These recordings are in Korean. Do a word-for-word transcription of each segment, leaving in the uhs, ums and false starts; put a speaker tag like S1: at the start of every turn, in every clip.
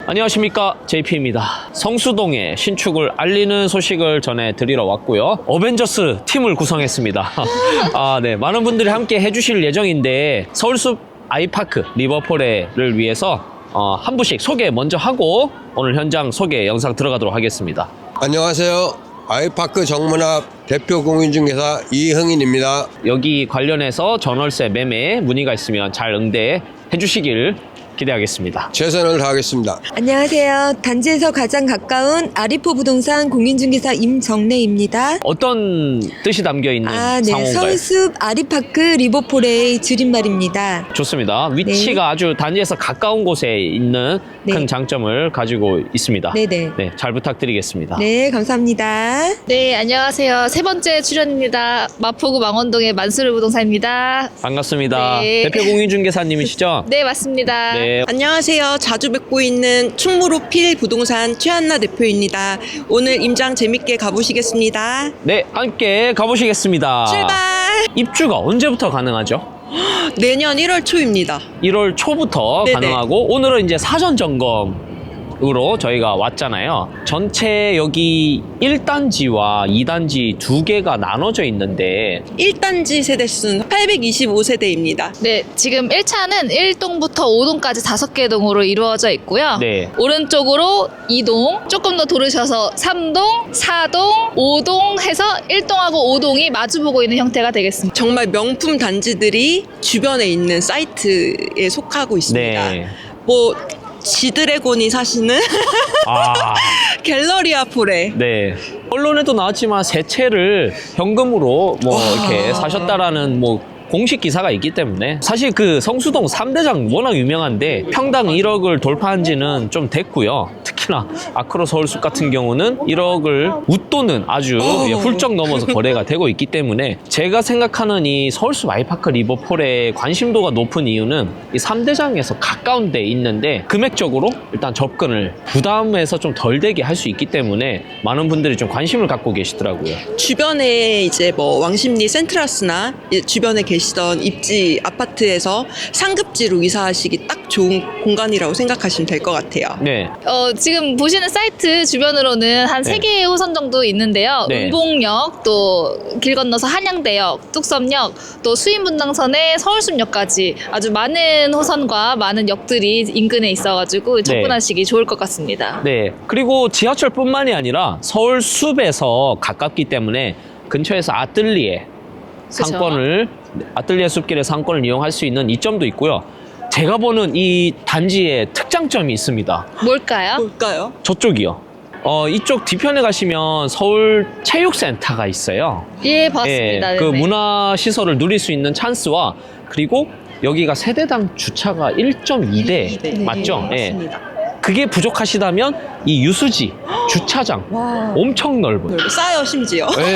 S1: 안녕하십니까, 제이피입니다. 성수동의 신축을 알리는 소식을 전해드리러 왔고요. 어벤져스 팀을 구성했습니다. 아, 네, 많은 분들이 함께 해주실 예정인데 서울숲 아이파크 리버포레를 위해서 어, 한 분씩 소개 먼저 하고 오늘 현장 소개 영상 들어가도록 하겠습니다.
S2: 안녕하세요. 아이파크 정문앞 대표 공인중개사 이흥인입니다.
S1: 여기 관련해서 전월세 매매 문의가 있으면 잘 응대해 주시길 기대하겠습니다.
S2: 최선을 다하겠습니다.
S3: 안녕하세요. 단지에서 가장 가까운 아리포 부동산 공인중개사 임정래입니다.
S1: 어떤 뜻이 담겨 있는
S3: 아, 네.
S1: 상호인가요?
S3: 서울숲 아리파크 리버포레의 줄임말입니다.
S1: 좋습니다. 위치가
S3: 네.
S1: 아주 단지에서 가까운 곳에 있는
S3: 네.
S1: 큰 장점을 가지고 있습니다.
S3: 네네.
S1: 네, 잘 부탁드리겠습니다.
S3: 네, 감사합니다.
S4: 네, 안녕하세요. 세 번째 출연입니다. 마포구 망원동의 만수르 부동산입니다.
S1: 반갑습니다.
S4: 네.
S1: 대표 공인중개사님이시죠?
S4: 네, 맞습니다.
S1: 네.
S5: 안녕하세요. 자주 뵙고 있는 충무로 필 부동산 최한나 대표입니다. 오늘 임장 재밌게 가보시겠습니다.
S1: 네, 함께 가보시겠습니다.
S5: 출발!
S1: 입주가 언제부터 가능하죠?
S5: 내년 일월 초입니다.
S1: 일월 초부터
S5: 네네.
S1: 가능하고 오늘은 이제 사전 점검으로 저희가 왔잖아요. 전체 여기 일 단지와 이 단지 두 개가 나눠져 있는데
S5: 일 단지 세대수는 팔백이십오 세대입니다.
S4: 네, 지금 일 차는 일 동부터 오 동까지 다섯 개 동으로 이루어져 있고요.
S1: 네.
S4: 오른쪽으로 이 동, 조금 더 돌으셔서 삼 동, 사 동, 오 동 해서 일 동하고 오 동이 마주보고 있는 형태가 되겠습니다.
S5: 정말 명품 단지들이 주변에 있는 사이트에 속하고 있습니다.
S1: 네.
S5: 뭐 지드래곤이 사시는
S1: 아,
S5: 갤러리아 폴에
S1: 네. 언론에도 나왔지만 세 채를 현금으로 뭐
S5: 와.
S1: 이렇게 사셨다라는 뭐 공식 기사가 있기 때문에 사실 그 성수동 삼 대장 워낙 유명한데 평당 일억을 돌파한 지는 좀 됐고요. 특히나 아크로 서울숲 같은 경우는 일억을 웃도는 아주 예, 훌쩍 넘어서 거래가 되고 있기 때문에 제가 생각하는 이 서울숲 아이파크 리버폴의 관심도가 높은 이유는 이 삼 대장에서 가까운 데 있는데 금액적으로 일단 접근을 부담해서 좀 덜 되게 할 수 있기 때문에 많은 분들이 좀 관심을 갖고 계시더라고요.
S5: 주변에 이제 뭐 왕십리 센트라스나 주변에 계시던 입지 아파트에서 상급지로 이사하시기 딱 좋은 공간이라고 생각하시면 될 것 같아요.
S1: 네.
S4: 어, 지금 보시는 사이트 주변으로는 한
S1: 네.
S4: 세 개의 호선 정도 있는데요.
S1: 네.
S4: 은봉역, 또 길 건너서 한양대역, 뚝섬역, 또 수인분당선에 서울숲역까지 아주 많은 호선과 많은 역들이 인근에 있어가지고 접근하시기 좋을 것 같습니다.
S1: 네. 그리고 지하철뿐만이 아니라 서울숲에서 가깝기 때문에 근처에서 아뜰리에 상권을 아뜰리에 숲길의 상권을 이용할 수 있는 이점도 있고요. 제가 보는 이 단지의 특장점이 있습니다.
S4: 뭘까요?
S5: 볼까요?
S1: 저쪽이요. 어, 이쪽 뒤편에 가시면 서울 체육센터가 있어요.
S4: 예, 봤습니다.
S1: 예, 그
S4: 네네.
S1: 문화 시설을 누릴 수 있는 찬스와 그리고 여기가 세대당 주차가 일 점 이 대
S5: 네,
S1: 맞죠? 예.
S5: 맞습니다.
S1: 그게 부족하시다면 이 유수지 주차장
S5: 와.
S1: 엄청 넓어요.
S5: 싸요 심지어.
S1: 네.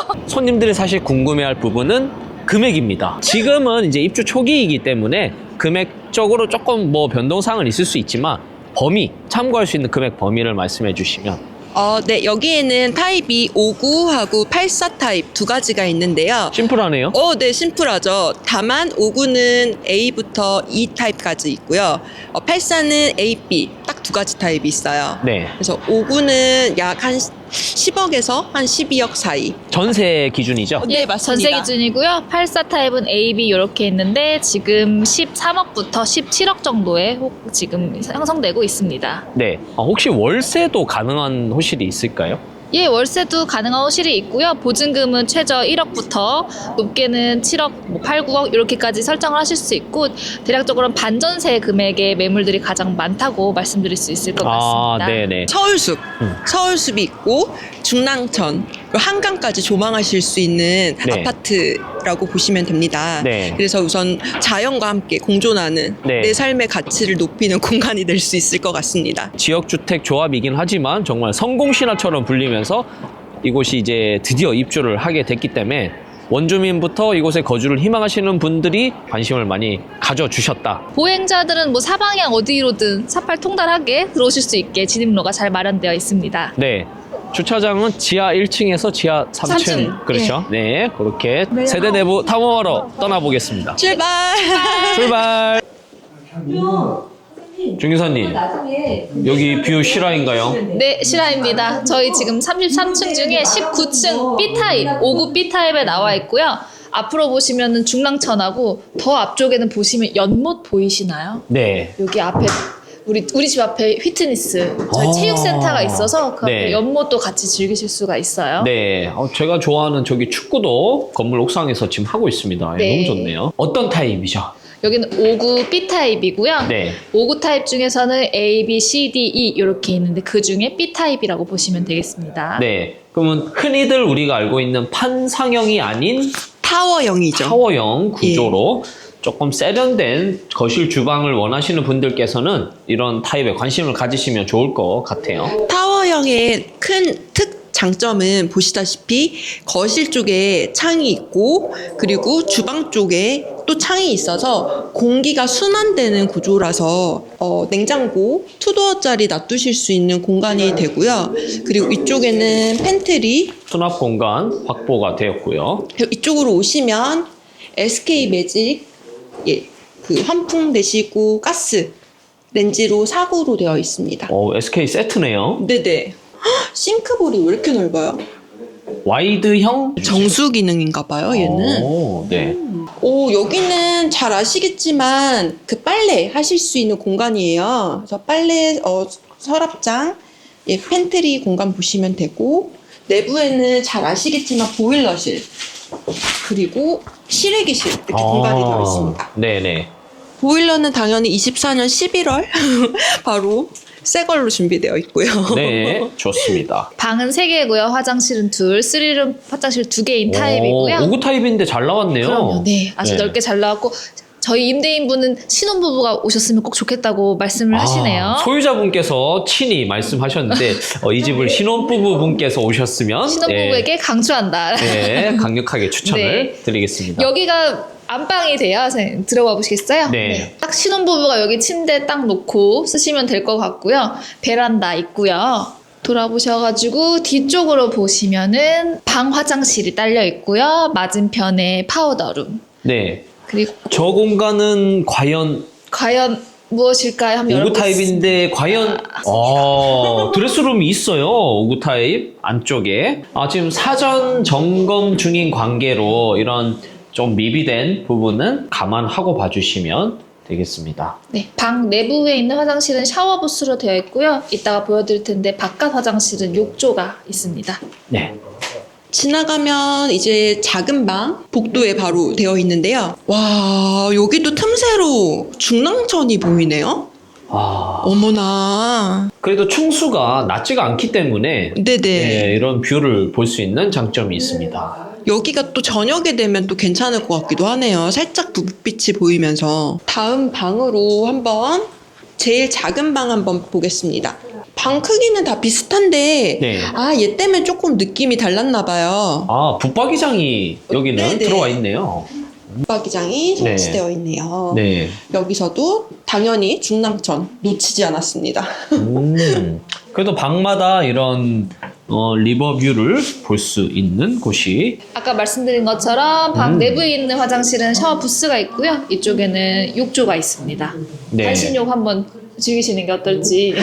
S1: 손님들이 사실 궁금해할 부분은 금액입니다. 지금은 이제 입주 초기이기 때문에 금액적으로 조금 뭐 변동사항은 있을 수 있지만 범위, 참고할 수 있는 금액 범위를 말씀해 주시면.
S5: 어, 네, 여기에는 타입이 오구하고 팔십사 타입 두 가지가 있는데요.
S1: 심플하네요.
S5: 어, 네, 심플하죠. 다만 오구는 A부터 E 타입까지 있고요. 어, 팔십사는 A, B 딱 두 가지 타입이 있어요.
S1: 네.
S5: 그래서 오구는 약 한 십억에서 한 십이억 사이.
S1: 전세 기준이죠?
S5: 네,
S4: 예,
S5: 맞습니다.
S4: 전세 기준이고요. 팔십사 타입은 A, B 이렇게 있는데 지금 십삼억부터 십칠억 정도에 혹 지금 형성되고 있습니다.
S1: 네. 아, 혹시 월세도 가능한 호실이 있을까요?
S4: 예, 월세도 가능한 호실이 있고요. 보증금은 최저 일억부터 높게는 칠억, 뭐 팔, 구억 이렇게까지 설정을 하실 수 있고 대략적으로는 반전세 금액의 매물들이 가장 많다고 말씀드릴 수 있을 것
S1: 아,
S4: 같습니다.
S1: 네네.
S5: 서울숲,
S1: 음.
S5: 서울숲이 있고 중랑천, 그리고 한강까지 조망하실 수 있는
S1: 네.
S5: 아파트라고 보시면 됩니다.
S1: 네.
S5: 그래서 우선 자연과 함께 공존하는
S1: 네.
S5: 내 삶의 가치를 높이는 공간이 될 수 있을 것 같습니다.
S1: 지역주택 조합이긴 하지만 정말 성공신화처럼 불리면서 이곳이 이제 드디어 입주를 하게 됐기 때문에 원주민부터 이곳에 거주를 희망하시는 분들이 관심을 많이 가져주셨다.
S4: 보행자들은 뭐 사방향 어디로든 사팔 통달하게 들어오실 수 있게 진입로가 잘 마련되어 있습니다.
S1: 네. 주차장은 지하 일 층에서 지하 삼 층.
S4: 삼 층.
S1: 그렇죠. 네. 그렇게 세대 내부 탐험하러 떠나보겠습니다.
S5: 출발!
S1: 출발! 중기사님, 여기 뷰 실화인가요?
S4: 네, 실화입니다. 저희 지금 삼십삼 층 중에 십구 층 B타입, 오 구 B타입에 나와 있고요. 앞으로 보시면은 중랑천하고 더 앞쪽에는 보시면 연못 보이시나요?
S1: 네.
S4: 여기 앞에 우리 우리 집 앞에 휘트니스 저희
S1: 아.
S4: 체육센터가 있어서 그 앞에
S1: 네.
S4: 연못도 같이 즐기실 수가 있어요.
S1: 네, 어, 제가 좋아하는 저기 축구도 건물 옥상에서 지금 하고 있습니다. 예,
S4: 네.
S1: 너무 좋네요. 어떤 타입이죠?
S4: 여기는 오 구 B타입이고요.
S1: 네.
S4: 오 구 타입 중에서는 A, B, C, D, E 이렇게 있는데 그 중에 B타입이라고 보시면 되겠습니다.
S1: 네. 그러면 흔히들 우리가 알고 있는 판상형이 아닌
S5: 타워형이죠.
S1: 타워형 구조로 조금 세련된 거실 주방을 원하시는 분들께서는 이런 타입에 관심을 가지시면 좋을 것 같아요.
S5: 타워형의 큰 특 장점은 보시다시피 거실 쪽에 창이 있고 그리고 주방 쪽에 또 창이 있어서 공기가 순환되는 구조라서 어, 냉장고 투도어짜리 놔두실 수 있는 공간이 되고요. 그리고 이쪽에는 팬트리,
S1: 수납 공간 확보가 되었고요.
S5: 그리고 이쪽으로 오시면 에스케이 매직 예, 그 환풍 되시고 가스 렌지로 사구로 되어 있습니다.
S1: 어, 에스케이 세트네요.
S5: 네네. 헉, 싱크볼이 왜 이렇게 넓어요?
S1: 와이드형
S5: 정수 기능인가 봐요, 얘는.
S1: 오, 네.
S5: 오, 여기는 잘 아시겠지만 그 빨래 하실 수 있는 공간이에요. 그래서 빨래 어, 서랍장, 예, 팬트리 공간 보시면 되고 내부에는 잘 아시겠지만 보일러실 그리고 실외기실 이렇게 공간이 되어 있습니다.
S1: 네네.
S5: 보일러는 당연히 이십사 년 십일월 바로 새 걸로 준비되어 있고요.
S1: 네, 좋습니다.
S4: 방은 세 개고요. 화장실은 둘, 쓰리룸 화장실 두 개인 타입이고요.
S1: 오 구 타입인데 잘 나왔네요.
S4: 그럼요. 네, 아주
S1: 네.
S4: 넓게 잘 나왔고 저희 임대인분은 신혼부부가 오셨으면 꼭 좋겠다고 말씀을 하시네요.
S1: 아, 소유자분께서 친히 말씀하셨는데 어, 이 집을 신혼부부분께서 오셨으면
S4: 신혼부부에게 강추한다.
S1: 네, 네, 강력하게 추천을
S4: 네.
S1: 드리겠습니다.
S4: 여기가 안방이 돼요. 선생님 들어가 보시겠어요?
S1: 네.
S4: 딱 신혼부부가 여기 침대 딱 놓고 쓰시면 될 것 같고요. 베란다 있고요. 돌아보셔가지고 뒤쪽으로 보시면은 방 화장실이 딸려 있고요. 맞은편에 파우더룸.
S1: 네.
S4: 그리고
S1: 저 공간은 과연
S4: 과연 무엇일까요? 한번
S1: 오 구
S4: 열어보겠습니다.
S1: 타입인데 과연 어, 드레스룸이 있어요. 오 구 타입 안쪽에. 아, 지금 사전 점검 중인 관계로 이런 좀 미비된 부분은 감안하고 봐주시면 되겠습니다.
S4: 네, 방 내부에 있는 화장실은 샤워 부스로 되어 있고요. 이따가 보여드릴 텐데 바깥 화장실은 욕조가 있습니다.
S1: 네.
S5: 지나가면 이제 작은 방 복도에 바로 되어 있는데요. 와, 여기도 틈새로 중랑천이 보이네요.
S1: 아,
S5: 어머나.
S1: 그래도 층수가 낮지가 않기 때문에
S5: 네네.
S1: 네, 이런 뷰를 볼 수 있는 장점이 있습니다.
S5: 여기가 또 저녁에 되면 또 괜찮을 것 같기도 하네요. 살짝 불빛이 보이면서. 다음 방으로 한번 제일 작은 방 한번 보겠습니다. 방 크기는 다 비슷한데
S1: 네.
S5: 아, 얘 때문에 조금 느낌이 달랐나 봐요.
S1: 아, 붙박이장이 여기는
S5: 네네.
S1: 들어와 있네요.
S5: 붙박이장이
S1: 네.
S5: 설치되어 있네요.
S1: 네.
S5: 여기서도 당연히 중랑천 놓치지 않았습니다.
S1: 음, 그래도 방마다 이런 어, 리버뷰를 볼 수 있는 곳이
S4: 아까 말씀드린 것처럼 방
S1: 음.
S4: 내부에 있는 화장실은 샤워 부스가 있고요. 이쪽에는 욕조가 있습니다.
S1: 네.
S4: 한신욕 한번 즐기시는 게 어떨지.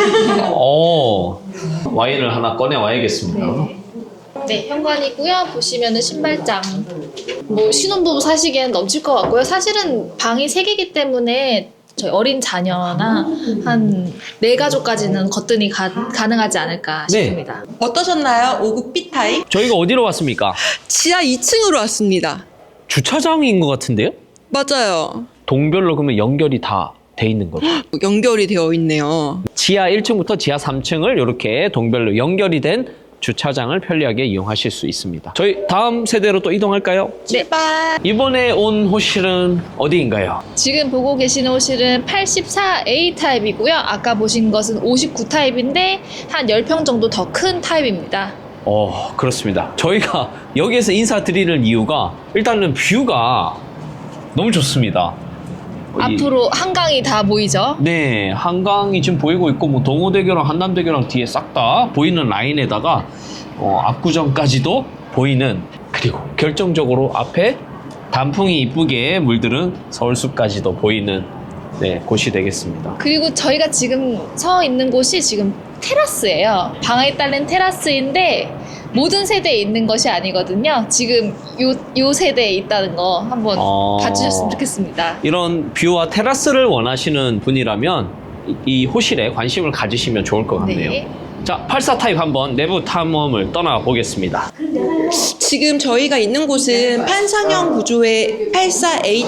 S1: 어, 와인을 하나 꺼내 와야겠습니다.
S4: 네, 현관이고요. 보시면은 신발장. 뭐 신혼부부 사시기에는 넘칠 것 같고요. 사실은 방이 세 개이기 때문에 저희 어린 자녀나 한 네 가족까지는 거뜬히 가, 가능하지 않을까
S1: 네.
S4: 싶습니다.
S5: 어떠셨나요? 오 구 B타입?
S1: 저희가 어디로 왔습니까?
S5: 지하 이 층으로 왔습니다.
S1: 주차장인 것 같은데요?
S5: 맞아요.
S1: 동별로 그러면 연결이 다 돼 있는 거죠.
S5: 연결이 되어 있네요.
S1: 지하 일 층부터 지하 삼 층을 이렇게 동별로 연결이 된 주차장을 편리하게 이용하실 수 있습니다. 저희 다음 세대로 또 이동할까요?
S5: 출발!
S1: 이번에 온 호실은 어디인가요?
S4: 지금 보고 계시는 호실은 팔십사 에이 타입이고요. 아까 보신 것은 오십구 타입인데 한 십 평 정도 더 큰 타입입니다.
S1: 어, 그렇습니다. 저희가 여기에서 인사드리는 이유가 일단은 뷰가 너무 좋습니다. 이-
S4: 앞으로 한강이 다 보이죠?
S1: 네, 한강이 지금 보이고 있고 뭐 동호대교랑 한남대교랑 뒤에 싹 다 보이는 라인에다가 어, 압구정까지도 보이는, 그리고 결정적으로 앞에 단풍이 이쁘게 물들은 서울숲까지도 보이는 네, 곳이 되겠습니다.
S4: 그리고 저희가 지금 서 있는 곳이 지금 테라스예요. 방에 딸린 테라스인데 모든 세대에 있는 것이 아니거든요. 지금 요, 요 세대에 있다는 거 한번
S1: 어.
S4: 봐주셨으면 좋겠습니다.
S1: 이런 뷰와 테라스를 원하시는 분이라면 이, 이 호실에 관심을 가지시면 좋을 것 같네요.
S4: 네.
S1: 자, 팔사 타입 한번 내부 탐험을 떠나보겠습니다.
S5: 지금 저희가 있는 곳은 판상형 구조의 팔사 에이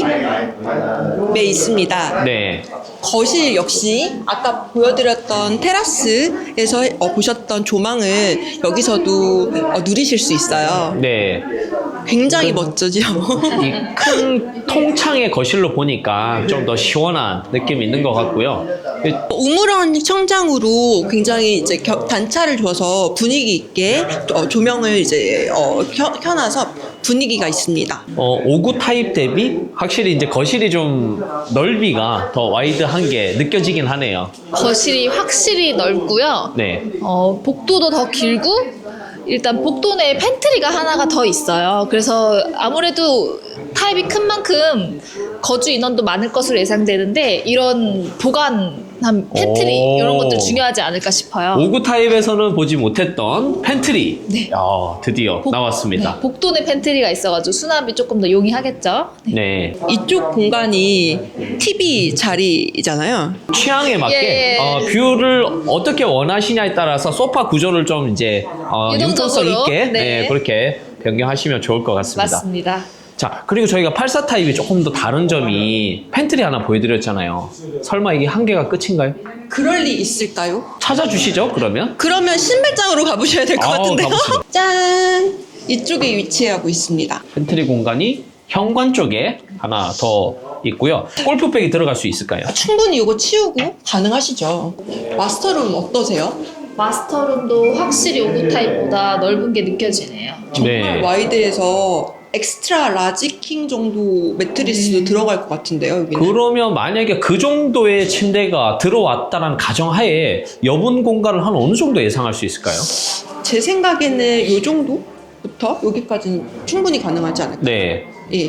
S5: 타입에 있습니다.
S1: 네.
S5: 거실 역시 아까 보여드렸던 테라스에서 어, 보셨던 조망을 여기서도 어, 누리실 수 있어요.
S1: 네.
S5: 굉장히 멋지죠.
S1: 이 큰 통창의 거실로 보니까 좀 더 시원한 느낌이 있는 것 같고요.
S5: 우물안 청장으로 굉장히 이제 겨- 단차를 줘서 분위기 있게 어, 조명을 이제 어, 켜, 켜놔서 분위기가 있습니다.
S1: 어, 오구 타입 대비 확실히 이제 거실이 좀 넓이가 더 와이드한 게 느껴지긴 하네요.
S4: 거실이 확실히 넓고요.
S1: 네.
S4: 어, 복도도 더 길고 일단 복도 내에 팬트리가 하나가 더 있어요. 그래서 아무래도 타입이 큰 만큼 거주 인원도 많을 것으로 예상되는데 이런 보관한 팬트리
S1: 오.
S4: 이런 것들 중요하지 않을까 싶어요.
S1: 오구 타입에서는 보지 못했던 팬트리.
S4: 네.
S1: 야, 드디어
S4: 복-
S1: 나왔습니다.
S4: 네, 복도 내 팬트리가 있어가지고 수납이 조금 더 용이하겠죠. 네.
S1: 네.
S5: 이쪽 공간이 티비 자리잖아요.
S1: 취향에 맞게
S4: 예.
S1: 어, 뷰를 어떻게 원하시냐에 따라서 소파 구조를 좀 이제 어, 융통성
S4: 유동적으로.
S1: 있게
S4: 네.
S1: 네, 그렇게 변경하시면 좋을 것 같습니다.
S4: 맞습니다.
S1: 자, 그리고 저희가 팔사 타입이 조금 더 다른 점이 팬트리 하나 보여드렸잖아요. 설마 이게 한 개가 끝인가요?
S5: 그럴 리 있을까요?
S1: 찾아주시죠, 그러면.
S5: 그러면 신발장으로 가보셔야 될 것
S1: 아우,
S5: 같은데요.
S1: 가보시죠.
S5: 짠! 이쪽에 위치하고 있습니다.
S1: 팬트리 공간이 현관 쪽에 하나 더 있고요. 골프백이 들어갈 수 있을까요?
S5: 충분히 이거 치우고 가능하시죠. 마스터룸 어떠세요?
S4: 마스터룸도 확실히 오구 타입보다 넓은 게 느껴지네요.
S5: 정말
S1: 네.
S5: 와이드해서 엑스트라 라지 킹 정도 매트리스도 들어갈 것 같은데요, 여기는.
S1: 그러면 만약에 그 정도의 침대가 들어왔다는 가정하에 여분 공간을 한 어느 정도 예상할 수 있을까요?
S5: 제 생각에는 이 정도부터 여기까지는 충분히 가능하지 않을까.
S1: 네.
S5: 예.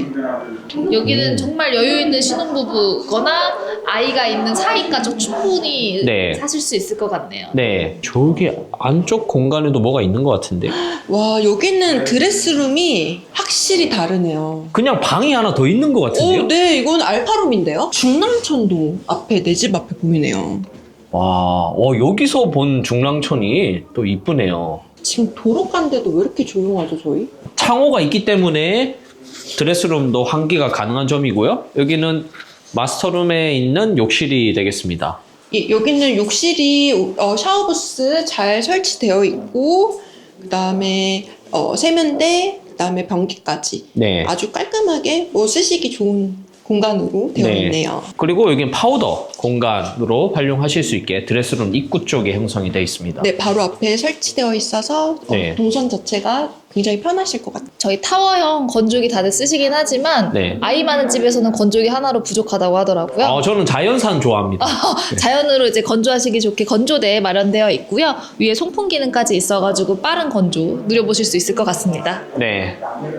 S4: 여기는 정말 여유 있는 신혼부부거나 아이가 있는 사이까지 충분히
S1: 네.
S4: 사실 수 있을 것 같네요.
S1: 네. 저기 안쪽 공간에도 뭐가 있는 것 같은데.
S5: 와, 여기는 드레스룸이 확실히 다르네요.
S1: 그냥 방이 하나 더 있는 것 같은데요?
S5: 오, 네, 이건 알파룸인데요? 중랑천도 앞에, 내 집 앞에 보이네요.
S1: 와, 와, 여기서 본 중랑천이 또 이쁘네요.
S5: 지금 도로 간데도 왜 이렇게 조용하죠, 저희?
S1: 창호가 있기 때문에 드레스룸도 환기가 가능한 점이고요. 여기는 마스터룸에 있는 욕실이 되겠습니다.
S5: 예, 여기는 욕실이 어, 샤워부스 잘 설치되어 있고, 그 다음에 어, 세면대, 그 다음에 변기까지
S1: 네.
S5: 아주 깔끔하게 뭐 쓰시기 좋은 공간으로 되어
S1: 네.
S5: 있네요.
S1: 그리고 여기는 파우더 공간으로 활용하실 수 있게 드레스룸 입구 쪽에 형성이 되어 있습니다.
S5: 네, 바로 앞에 설치되어 있어서 어,
S1: 네.
S5: 동선 자체가 굉장히 편하실 것 같아요.
S4: 저희 타워형 건조기 다들 쓰시긴 하지만
S1: 네.
S4: 아이 많은 집에서는 건조기 하나로 부족하다고 하더라고요.
S1: 어, 저는 자연산 좋아합니다.
S4: 자연으로 이제 건조하시기 좋게 건조대 마련되어 있고요. 위에 송풍 기능까지 있어가지고 빠른 건조 누려보실 수 있을 것 같습니다.
S1: 네.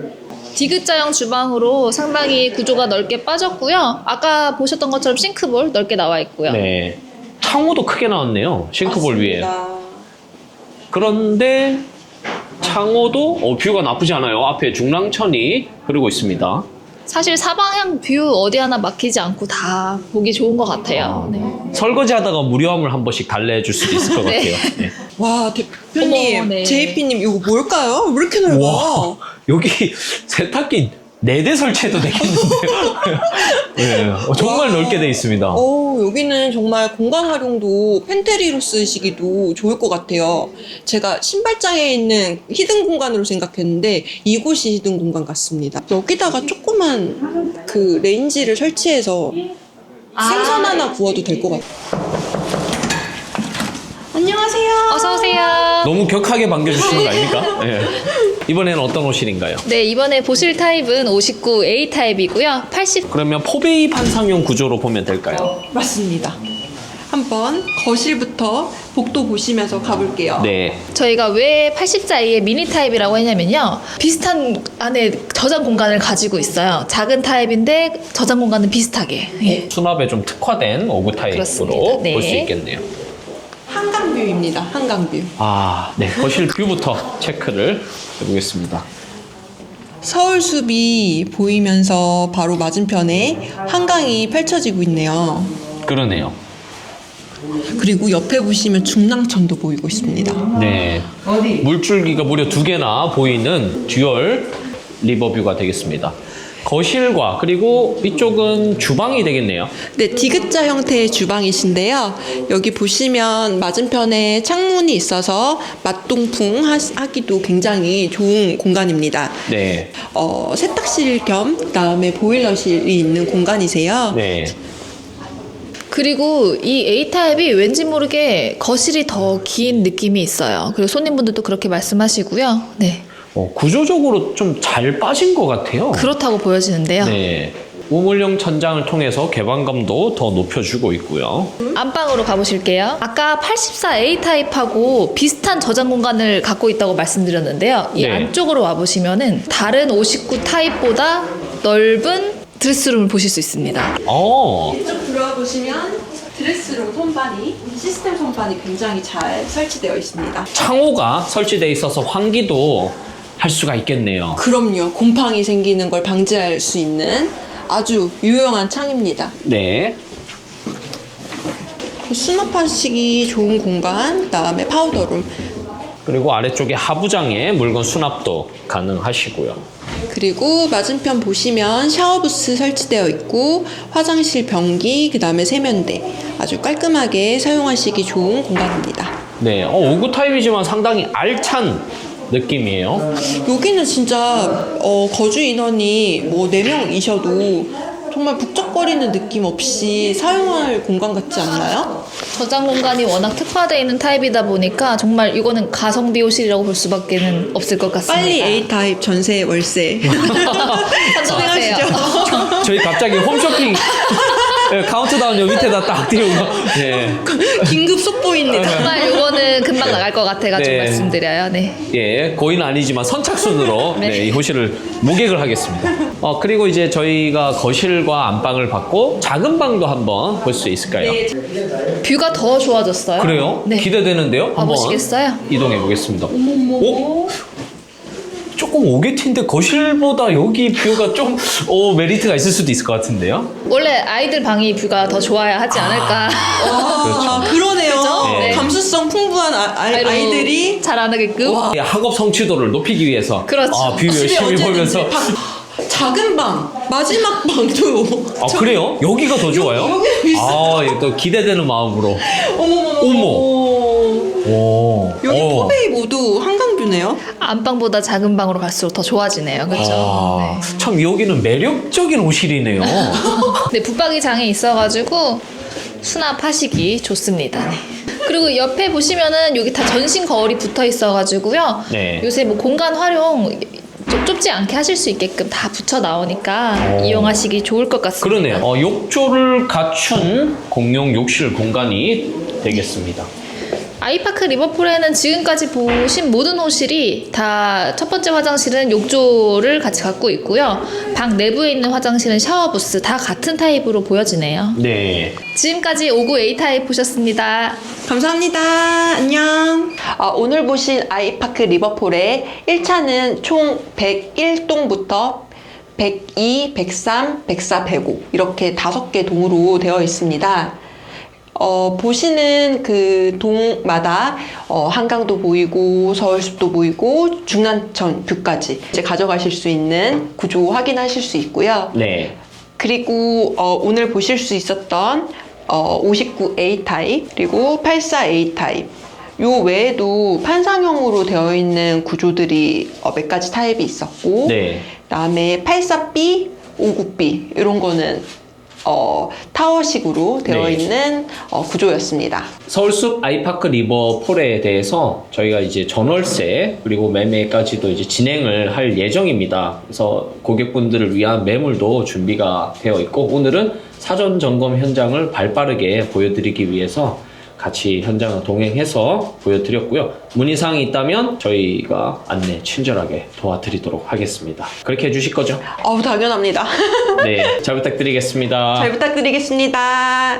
S4: 디귿자형 주방으로 상당히 구조가 넓게 빠졌고요. 아까 보셨던 것처럼 싱크볼 넓게 나와 있고요.
S1: 네. 창호도 크게 나왔네요. 싱크볼 위에.
S5: 맞습니다.
S1: 그런데 창호도 어, 뷰가 나쁘지 않아요. 앞에 중랑천이 흐르고 있습니다.
S4: 사실 사방향 뷰 어디 하나 막히지 않고 다 보기 좋은 것 같아요. 네.
S1: 설거지하다가 무료함을 한 번씩 달래줄 수도 있을 것
S4: 네.
S1: 같아요. 네.
S5: 와, 대표님,
S4: 어머, 네.
S5: 제이피님, 이거 뭘까요? 왜 이렇게 넓어?
S1: 와, 여기 세탁기 네 대 설치해도 되겠는데요. 네, 어, 정말
S5: 와.
S1: 넓게 돼 있습니다.
S5: 어, 여기는 정말 공간 활용도 팬트리로 쓰시기도 좋을 것 같아요. 제가 신발장에 있는 히든 공간으로 생각했는데 이곳이 히든 공간 같습니다. 여기다가 조그만 그 레인지를 설치해서 생선 하나 구워도 될 것 같아요. 안녕하세요.
S4: 어서 오세요.
S1: 너무 격하게 반겨주시는 거 아닙니까? 네. 이번에는 어떤 호실인가요?
S4: 네, 이번에 보실 타입은 오십구 에이 타입이고요. 팔십
S1: 그러면 포베이 판상용 구조로 보면 될까요?
S5: 맞습니다. 한번 거실부터 복도 보시면서 가볼게요.
S1: 네.
S4: 저희가 왜 팔십사 에이의 미니 타입이라고 했냐면요. 비슷한 안에 저장 공간을 가지고 있어요. 작은 타입인데 저장 공간은 비슷하게. 예.
S1: 수납에 좀 특화된 오구 타입으로
S4: 그렇습니다. 네.
S1: 볼 수 있겠네요.
S5: 한강뷰입니다. 한강뷰.
S1: 아, 네. 거실 뷰부터 체크를 해보겠습니다.
S5: 서울숲이 보이면서 바로 맞은편에 한강이 펼쳐지고 있네요.
S1: 그러네요.
S5: 그리고 옆에 보시면 중랑천도 보이고 있습니다.
S1: 네. 물줄기가 무려 두 개나 보이는 듀얼 리버뷰가 되겠습니다. 거실과 그리고 이쪽은 주방이 되겠네요.
S5: 네, 디귿자 형태의 주방이신데요. 여기 보시면 맞은편에 창문이 있어서 맛동풍 하- 하기도 굉장히 좋은 공간입니다.
S1: 네.
S5: 어, 세탁실 겸 그다음에 보일러실이 있는 공간이세요.
S1: 네.
S4: 그리고 이 에이 타입이 왠지 모르게 거실이 더 긴 느낌이 있어요. 그리고 손님분들도 그렇게 말씀하시고요. 네.
S1: 어, 구조적으로 좀 잘 빠진 것 같아요.
S4: 그렇다고 보여지는데요.
S1: 네. 우물형 천장을 통해서 개방감도 더 높여주고 있고요.
S4: 안방으로 가보실게요. 아까 팔십사 에이 타입하고 비슷한 저장 공간을 갖고 있다고 말씀드렸는데요. 이
S1: 네.
S4: 안쪽으로 와보시면은 다른 오십구 타입보다 넓은 드레스룸을 보실 수 있습니다.
S1: 어,
S5: 이쪽 들어와 보시면 드레스룸 선반이 시스템 선반이 굉장히 잘 설치되어 있습니다.
S1: 창호가 설치되어 있어서 환기도 할 수가 있겠네요.
S5: 그럼요. 곰팡이 생기는 걸 방지할 수 있는 아주 유용한 창입니다.
S1: 네.
S5: 수납하시기 좋은 공간, 그다음에 파우더룸,
S1: 그리고 아래쪽에 하부장에 물건 수납도 가능하시고요.
S5: 그리고 맞은편 보시면 샤워부스 설치되어 있고 화장실 변기, 그다음에 세면대 아주 깔끔하게 사용하시기 좋은 공간입니다.
S1: 네. 어, 오구 타입이지만 상당히 알찬 느낌이에요.
S5: 여기는 진짜 어, 거주 인원이 뭐 네 명이셔도 정말 북적거리는 느낌 없이 사용할 공간 같지 않나요?
S4: 저장 공간이 워낙 특화되어 있는 타입이다 보니까 정말 이거는 가성비 호실이라고 볼 수밖에 없을 것 같습니다.
S5: 빨리 A 타입 전세 월세
S4: 선정하세요.
S1: 저희 갑자기 홈쇼핑 네, 카운트다운 요 밑에다 딱 띄우고. 네.
S5: 긴급 속보입니다.
S4: 정말 이거는 금방 나갈 것 같아가지고
S1: 네.
S4: 말씀드려요. 네.
S1: 예, 고의는 아니지만 선착순으로
S4: 네.
S1: 네, 이 호실을 모객을 하겠습니다. 어, 그리고 이제 저희가 거실과 안방을 받고 작은 방도 한번 볼 수 있을까요?
S5: 네.
S4: 뷰가 더 좋아졌어요.
S1: 그래요?
S4: 네.
S1: 기대되는데요? 한번
S4: 가보시겠어요?
S1: 이동해 보겠습니다. 오? 조금 오게티인데 거실보다 여기 뷰가 좀 오, 메리트가 있을 수도 있을 것 같은데요?
S4: 원래 아이들 방이 뷰가 더 좋아야 하지 않을까.
S5: 아, 그러네요.
S1: 네.
S5: 감수성 풍부한 아, 아,
S4: 아이로
S5: 아이들이
S4: 잘하게끔.
S1: 예, 학업 성취도를 높이기 위해서
S4: 그렇죠.
S1: 아, 뷰
S5: 집에
S1: 열심히
S5: 언제든지
S1: 보면서
S5: 방, 작은 방 마지막 방도
S1: 아 그래요? 여기가 더 좋아요?
S5: 여기 있어요.
S1: 아, 예, 또 기대되는 마음으로.
S5: 어머머머.
S1: 어머. 오.
S5: 여기
S1: 어.
S5: 포베이 모두 한강뷰네요.
S4: 안방보다 작은 방으로 갈수록 더 좋아지네요. 그렇죠?
S1: 아, 참 여기는 매력적인 호실이네요.
S4: 네. 네, 붙박이 장이 있어가지고 수납하시기 좋습니다. 네. 그리고 옆에 보시면은 여기 다 전신 거울이 붙어 있어가지고요.
S1: 네.
S4: 요새 뭐 공간 활용 좀 좁지 않게 하실 수 있게끔 다 붙여 나오니까
S1: 오.
S4: 이용하시기 좋을 것 같습니다.
S1: 그러네요. 어, 욕조를 갖춘 공용 욕실 공간이 되겠습니다.
S4: 아이파크 리버풀에는 지금까지 보신 모든 호실이 다 첫 번째 화장실은 욕조를 같이 갖고 있고요. 방 내부에 있는 화장실은 샤워부스 다 같은 타입으로 보여지네요.
S1: 네.
S4: 지금까지 오구 에이 타입 보셨습니다.
S5: 감사합니다. 안녕. 아, 오늘 보신 아이파크 리버풀의 일 차는 총 백일 동부터 백이, 백삼, 백사, 백오 이렇게 다섯 개 동으로 되어 있습니다. 어, 보시는 그 동마다 어, 한강도 보이고 서울숲도 보이고 중랑천 뷰까지 이제 가져가실 수 있는 구조 확인하실 수 있고요.
S1: 네.
S5: 그리고 어, 오늘 보실 수 있었던 어, 오십구 에이 타입 그리고 팔십사 에이 타입 요 외에도 판상형으로 되어 있는 구조들이 어, 몇 가지 타입이 있었고
S1: 네.
S5: 그다음에 팔십사 비, 오십구 비 이런 거는 어, 타워식으로 되어
S1: 네.
S5: 있는 어, 구조였습니다.
S1: 서울숲 아이파크 리버풀에 대해서 저희가 이제 전월세 그리고 매매까지도 이제 진행을 할 예정입니다. 그래서 고객분들을 위한 매물도 준비가 되어 있고 오늘은 사전 점검 현장을 발빠르게 보여드리기 위해서 같이 현장을 동행해서 보여드렸고요. 문의사항이 있다면 저희가 안내 친절하게 도와드리도록 하겠습니다. 그렇게 해주실 거죠?
S5: 어우, 당연합니다.
S1: 네, 잘 부탁드리겠습니다.
S5: 잘 부탁드리겠습니다.